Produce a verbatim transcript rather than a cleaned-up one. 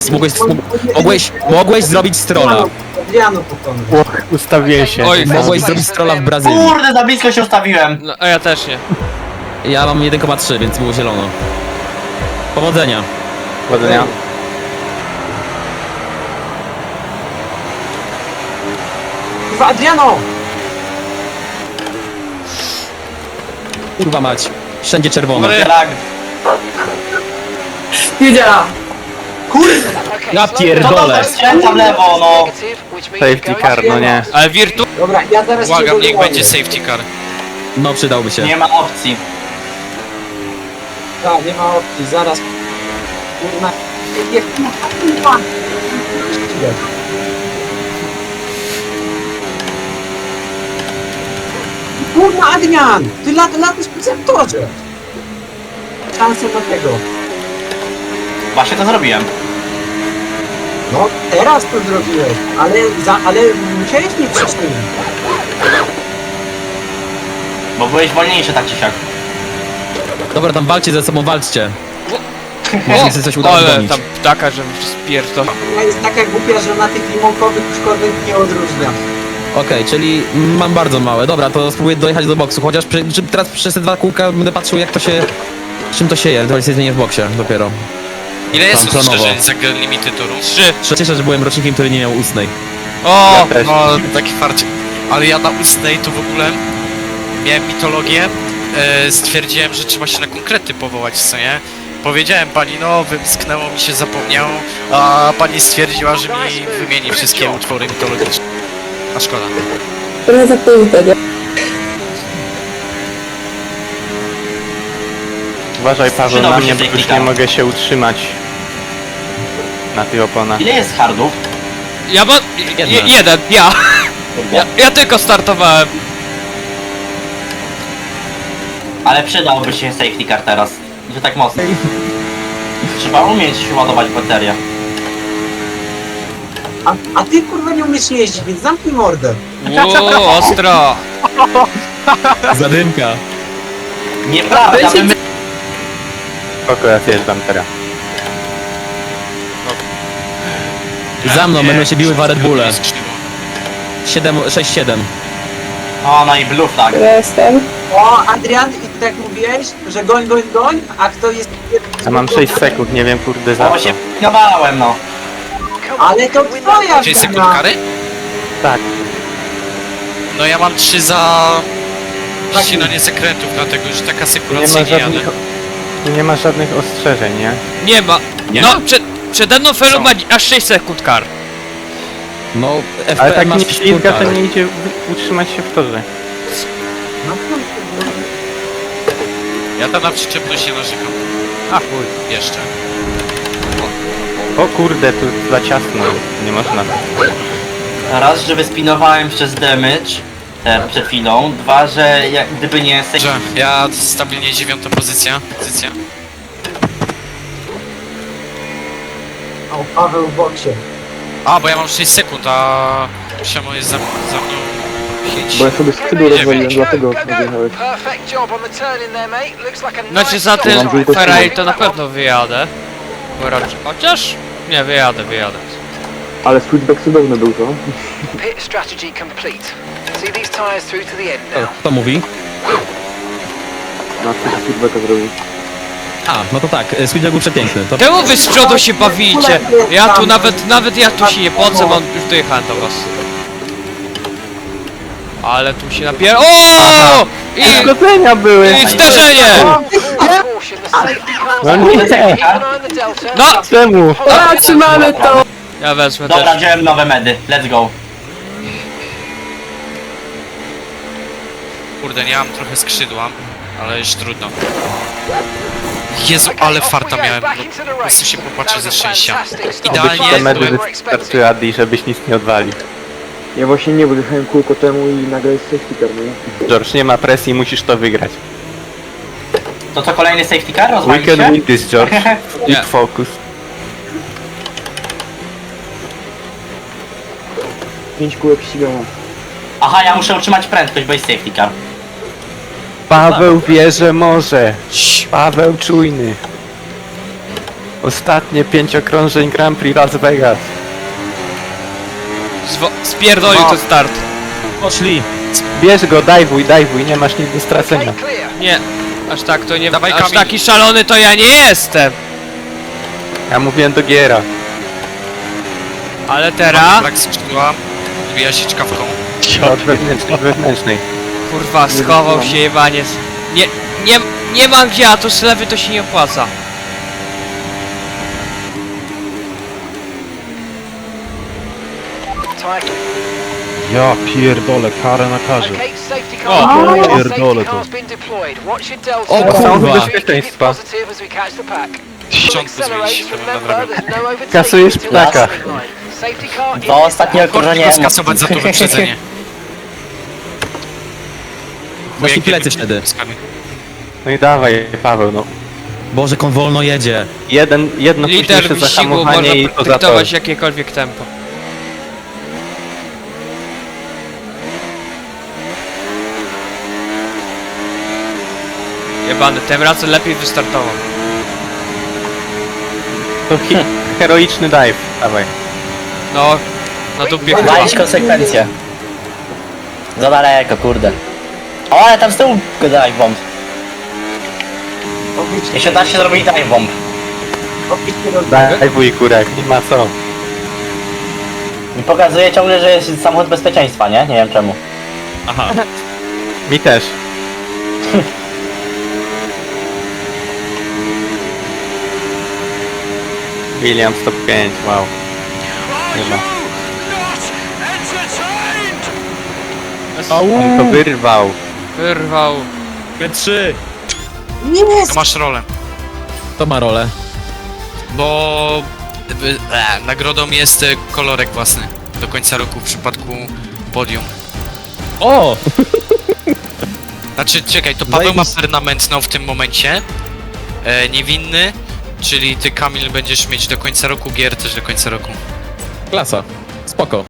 Mogłeś, mogłeś, mogłeś zrobić strolla. Adriano pokonał. Och, ustawiłem się. Oj, Mogłeś zrobić strolla w Brazylii. Kurde, za blisko się ustawiłem. No, a ja też nie. Ja mam jeden przecinek trzy, więc było zielono. Powodzenia. Powodzenia. Kurwa, Adriano! Kurwa mać. Wszędzie czerwono. Ale- Lag. Wiedziałam. Kurde! Ja To pierdolę. to skręca w lewo, no. Safety car, no nie. Ale Virtu... Dobra, ja zaraz cię Błagam, niech dogonię. będzie safety car. No przydałby się. Nie ma opcji. Tak, nie ma opcji, zaraz. Kurna. Nie, kurwa. Kurwa, Adrian! Ty lat, latasz po sektorze. Szansę do tego. Właśnie to zrobiłem. No, teraz to zrobiłeś, ale, za, ale musiałeś mi wcześniej. Bo byłeś wolniejszy tak czy siak. Dobra, tam walczcie ze sobą, walczcie. O, Jeśli chce coś udało ale gonić. tam ptaka, że spierdol. Ona jest taka głupia, że na tych limonkowych już korwet nie odróżnia. Okej, czyli mam bardzo małe. Dobra, to spróbuję dojechać do boksu. Chociaż przy, czy teraz przez te dwa kółka będę patrzył, jak to się... Czym to się je? To się zmienię w boksie dopiero. Ile jest Tam planowo. ostrzeżeń za limity toru? Trzy. Cieszę, że byłem rocznikiem, który nie miał ustnej. O! Ja też. No, taki farcik. Ale ja na ustnej to w ogóle miałem mitologię. E, stwierdziłem, że trzeba się na konkrety powołać, co nie? Powiedziałem pani, no wymsknęło mi się, zapomniało, a pani stwierdziła, że mi wymieni wszystkie utwory mitologiczne. A szkoda. Trochę za późno, nie? Uważaj, Paweł, na Przydałby mnie, się bo już safety nie car. mogę się utrzymać na tych oponach. Ile jest hardów? Ja bo... Jedna. Je, jeden, ja. ja. Ja tylko startowałem. Ale przydałby się safety car teraz. Że tak mocno. Trzeba umieć ładować baterię. A, a ty kurwa nie umiesz jeździć, więc zamknij mordę. Uuu, ostro. Zadymka. Nieprawda, Weź się- my... Spoko, ja zjeżdżam teraz. Za mną będą się biły w Red Bulle. Jest krzywo. siedem, sześć siedem. O, no i blue flag. Ja jestem. O, Adrian, i tak mówiłeś, że goń, goń, goń, a kto jest... A mam sześć sekund, nie wiem kurde za Bo co. się nawałem, no. Ale to twoja Czyli sekund wina. kary? Tak, No ja mam trzy za... ścinanie zakrętów, dlatego że taka tu nie ma sekuracyjnie jadę. żadnych, tu nie ma żadnych ostrzeżeń, nie? Nie ma. Nie? No, przed, przede mną Felu ma aż sześć sekund kar. No, F Ale P tak masz nie ślizga, to czwórkę. nie idzie w- utrzymać się w torze. No, Ja tam na przyczepność nie narzekam. A chuj, jeszcze. O kurde, tu za ciasno, nie można. Raz, że wyspinowałem przez damage e, przed chwilą. Dwa, że jak, gdyby nie safety... Że ja stabilnie dziewiąta pozycja. Pozycja. o, Paweł w boksie. A, bo ja mam sześć sekund, a Siamo jest za, za mną pięć. Bo ja sobie skrzydło rozwaliłem, dlatego odjechałeś. Znaczy za Mam tym tylko Ferrari tyle. to na pewno wyjadę. Bo raczej- Chociaż... Nie, wyjadę, wyjadę. Ale switchback cudowny był to. Pit strategy complete. See these tyres through to the end O, now. kto mówi? Na switch- switchbacka zrobił. A, no to tak, Sweetback był przepiękny. To... Czemu wy z przodu się bawicie? Ja tu nawet, nawet ja tu się nie pocę, bo już dojechałem do was. Ale tu się napier... O! I, Zgodzenia były! I zderzenie! Caution, the safety car's No on. nie! Keep an eye on the delta. No! Czemu? A, trzymamy to! Ja wezmę Dobra, też. wziąłem nowe medy. Let's go. Kurde, nie mam trochę skrzydła, ale już trudno. Jezu, ale farta miałem, no, po prostu się popatrzę ze szczęścia. Idealnie Te medy byłem... wystarczy, Adi, żebyś nic nie odwalił. Ja właśnie nie, bo jechałem kółko temu i nagle jest safety car, nie? George, nie ma presji, musisz to wygrać. To co, kolejny safety car? We Rozwalić can się? win this, George. Nie. Keep focus. Pięć kółek ścigania. Aha, ja muszę utrzymać prędkość, bo jest safety car. Paweł wie, że może. Paweł czujny. Ostatnie pięć okrążeń Grand Prix Las Vegas. Zwo spierdolił No. ten start. Poszli. Bierz go, dajwuj, dajwuj, nie masz nic do stracenia. Okay, clear. Nie, aż tak to nie... Dawaj, aż Kamil. taki szalony to ja nie jestem. Ja mówiłem do Giera. Ale teraz... Brak skrzydła, wbija się czkawką. Od wewnętrznej, wewnętrznej. Kurwa, schował się jebaniec. Nie, nie, nie mam gdzie, a to z lewy to się nie opłaca. Tyre. Ja pierdolę, karę na karze. Okay, safety car. O, Safety pierdolę to. car's been deployed. Watch your delta. O, kurwa. Keep it Bezpieczeństwa. positive as we catch the pack. Ściąg Accelerate, zmienić się remember, na drogę. there's no overtaking Kasujesz till ptaka. the finish line. Safety car Dwa is ostatnie okrążenie Go skasować za to wyprzedzenie. Właśnie plecy wtedy. No i dawaj, Paweł, no. Boże, kon wolno jedzie. Jeden, jedno Lider późniejsze wyścigu można zahamowanie i to za to. dyktować jakiekolwiek tempo. Jebany, tym razem lepiej wystartował. To hi heroiczny dive, dawaj. No, na dupie chyba. Walić konsekwencje. Za daleko, kurde. O, ale tam z tyłu dive bomb. Jeśli da się zrobić dive bomb. Dajwuj, kurek, nie ma co. I pokazuje ciągle, że jest samochód bezpieczeństwa, nie? Nie wiem czemu. Aha. Mi też. Williams top pięć, wow. Chyba. On to wyrwał. Wyrwał. P trzy. To masz rolę. To ma rolę. Bo y, e, nagrodą jest e, kolorek własny do końca roku w przypadku podium. O! Znaczy, czekaj, to Paweł ma Zajebiście. permanent no w tym momencie. E, niewinny, czyli ty, Kamil, będziesz mieć do końca roku, Gier też do końca roku. Klasa. Spoko.